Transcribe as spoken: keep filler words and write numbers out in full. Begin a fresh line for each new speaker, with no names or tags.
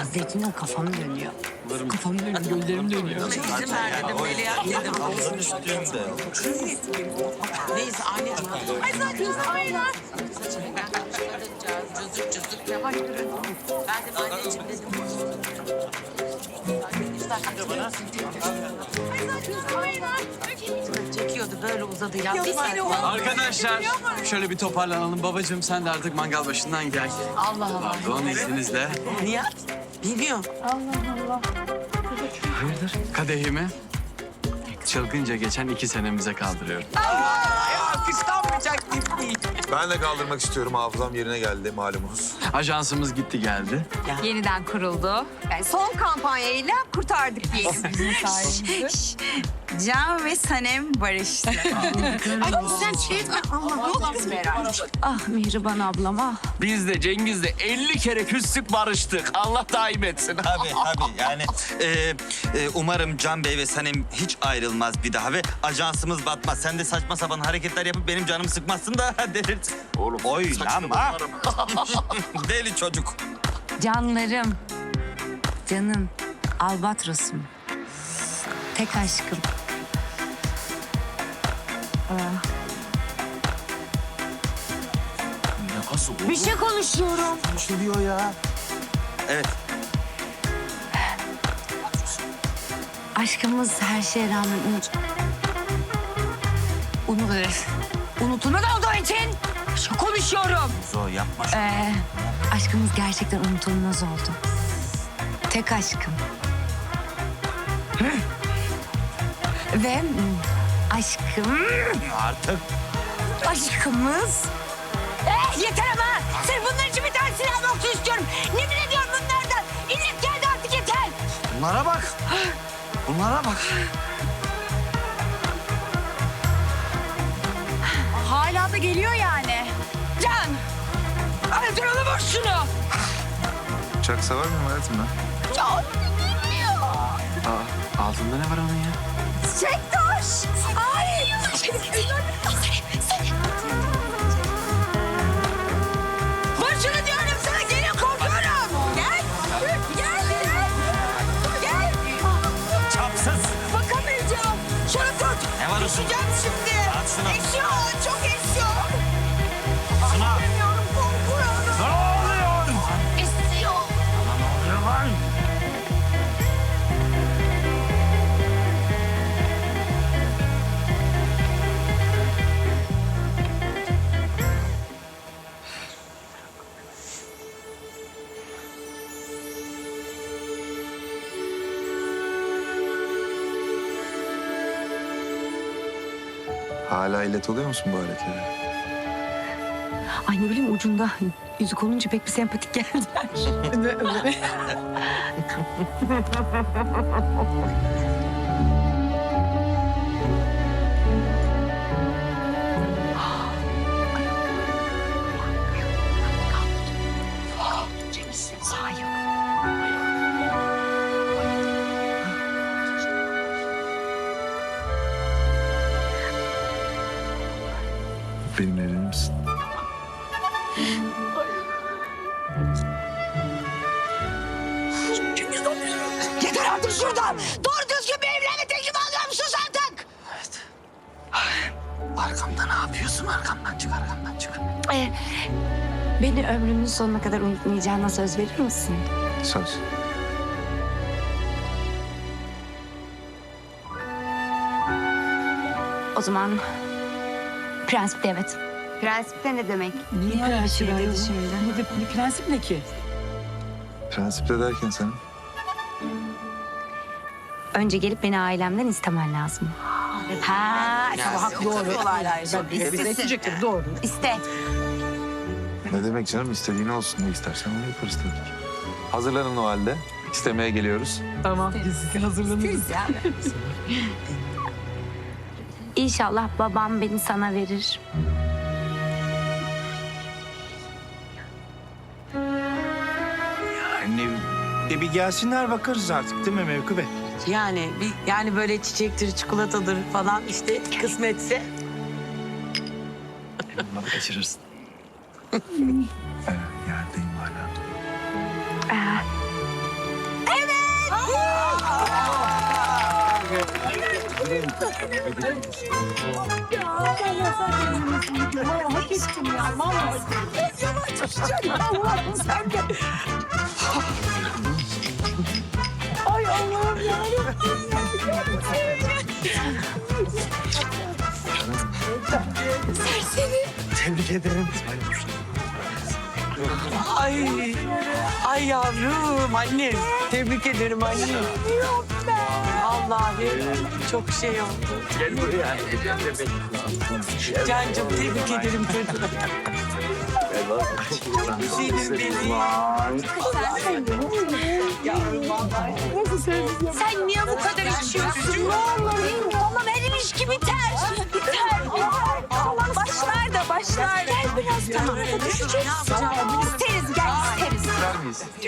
Zeytinden kafam dönüyor. Kafam dönüyor, gözlerim dönüyor.
İzin ver dedim Melia dedim.
Havuzun üstünde.
Neyse anne. Ay zaten aynen. Cızık cızık yavaş durun. Ben de anneciğim dedim. Çekiyordu böyle uzadı ya. Bir saniye.
Arkadaşlar şöyle bir toparlanalım. Babacığım sen de artık mangal başından gel.
Allah Allah.
Pardon izninizle.
Nihat bilmiyor.
Hayırdır? Kadehimi çılgınca geçen iki senemize kaldırıyorum.
Alkışlanmayacak tip değil.
Ben de kaldırmak istiyorum. Hafızam yerine geldi malumunuz.
Ajansımız gitti geldi.
Yeniden kuruldu. Yani son kampanyayla kurtardık diyelim bizim sayemizde.
Can ve Sanem barıştı.
Ay sen şey etme. Allah ne oldu kız Meral?
Ah Mihriban ablam ah.
Biz de Cengiz'le elli kere küstük barıştık. Allah daim etsin.
Tabii tabii yani e, e, umarım Can Bey ve Sanem hiç ayrılmaz bir daha ve ajansımız batmaz. Sen de saçma sapan hareketler yapıp benim canımı sıkmazsın da delirt.
Oğlum
Oynama. Deli çocuk.
Canlarım. Canım. Albatrosum. Tek aşkım.
Nasıl olur?
Bir şey konuşuyorum.
Evet.
Aşkımız her şeye rağmen unut... Unut... Unutulmaz olduğu için bir şey konuşuyorum.
Zor yapma.
Ee, aşkımız gerçekten unutulmaz oldu. Tek aşkım. Ve mm, aşkım...
Artık.
Aşkımız... Eh yeter ama! Sırf bunlar için bir tane silah nokta istiyorum. Nefret ediyorum bunlardan. İllet geldi artık yeter.
Bunlara bak. Bunlara bak.
Hala da geliyor yani. Can! Öldür onu vur şunu.
Uçak sever miyim hayatım ben?
Can geliyor.
Aa, altında ne var onun ya?
Çektaş! Ay! Vur şunu diyorum sana. Gelin korkuyorum. Gel. Gel. Gel. Gel.
Çapsız.
Bakamayacağım. Şunu tut.
Ne var usul?
Düşeceğim şimdi.
At şunu.
Esiyor. Çok esiyor.
Şuna.
Bilmiyorum korkuyorum.
Ne oluyor?
Esiyor.
Ne oluyor lan?
Hala illet oluyor musun bu hareketlere?
Ay ne bileyim ucunda yüzük olunca pek bir sempatik geldiler.
Benimle evlenir misin?
Yeter artık şuradan. Doğru düzgün bir evlenme teklifi alıyor musunuz artık?
Arkamda ne yapıyorsun? Arkamdan çık, arkamdan çık.
Ee, beni ömrünün sonuna kadar unutmayacağına söz verir misin?
Söz.
O zaman prensipte evet.
Prensipte ne demek?
Niye öyle bir şey dedi şimdi? Ne, de, ne prensip ne ki?
Prensipte derken senin?
Önce gelip beni ailemden istemen lazım. Ha,
Sabah doğru. Ben bir de isteyecektim doğru.
iste.
Ne demek canım? İstediğin olsun. Ne istersen onu yaparız tabii ki. Hazırlanın o halde. İstemeye geliyoruz.
Tamam biz hazırlanırız.
İnşallah babam beni sana verir.
Anne de bir gelsinler bakarız artık değil mi Mevku Bey?
Yani bir, yani böyle çiçektir, çikolatadır falan işte kısmetse.
Bunları kaçırırsın.
Evet, yerdeyim hala.
Ee,
Tebrik ederim.
Ay, ay yavrum annem. Tebrik ederim annem. Vallahi çok şey oldu.
Gel buraya.
Cancım tebrik ederim çocuğum. Güzelim benim. Yavrum vallahi.
Sen niye bu kadar içiyorsun? Ne olur tamam erimiş gibi biter. Biter biter. Tamam başlar da başlar. Gel biraz tamam. Düşeceğiz. İsteriz gel isteriz.
İster miyiz?